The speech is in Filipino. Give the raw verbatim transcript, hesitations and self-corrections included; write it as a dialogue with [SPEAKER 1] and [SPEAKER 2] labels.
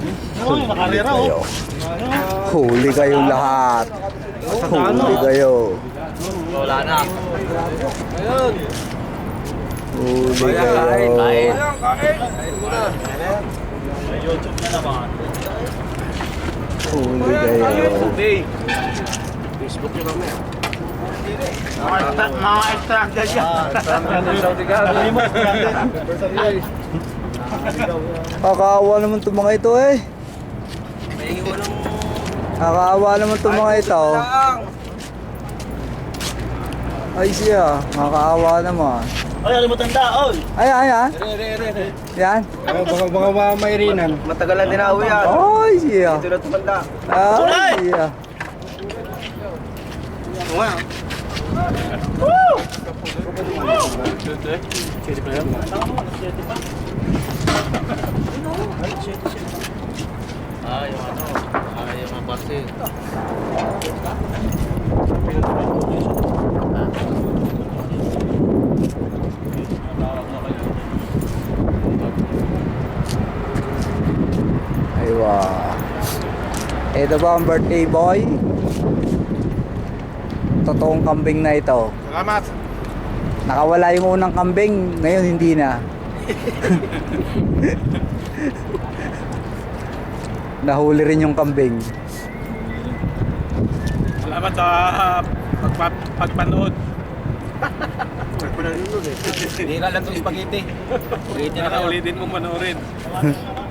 [SPEAKER 1] Uy, nakarera oh.
[SPEAKER 2] Huli kayo lahat. Huli kayo.
[SPEAKER 1] Wala na. Ayun.
[SPEAKER 2] Huli kayo.
[SPEAKER 1] Kain. Kain. Kain muna. May YouTube na naman.
[SPEAKER 2] Huli kayo.
[SPEAKER 1] Facebook nyo kami. Mga extracted yan. Extracted Saudi Arabia.
[SPEAKER 2] Kakaawa naman itong mga ito eh.
[SPEAKER 1] May walang...
[SPEAKER 2] Kakaawa naman itong mga ito. Ay siya, kakaawa naman.
[SPEAKER 1] Ay, ano mo tanda? Oy!
[SPEAKER 2] Ay, ay, ay. Yan.
[SPEAKER 3] Baka baka mairinan.
[SPEAKER 1] Matagalan din ako yan.
[SPEAKER 2] Ay siya.
[SPEAKER 1] Ito na tumanda.
[SPEAKER 2] Ay siya.
[SPEAKER 1] Oo nga. Ah, yung ano, ah, yung mga base.
[SPEAKER 2] Aywa. Ito ba ang birthday boy? Totoong kambing na ito.
[SPEAKER 3] Salamat.
[SPEAKER 2] Nakawala yung unang kambing, ngayon hindi na. Nahuli rin yung kambing.
[SPEAKER 3] Salamat sa pagpa pagpanood.
[SPEAKER 1] Hindi ka lang itong spaghetti. Spaghetti na
[SPEAKER 3] Sana ulitin mo panoorin.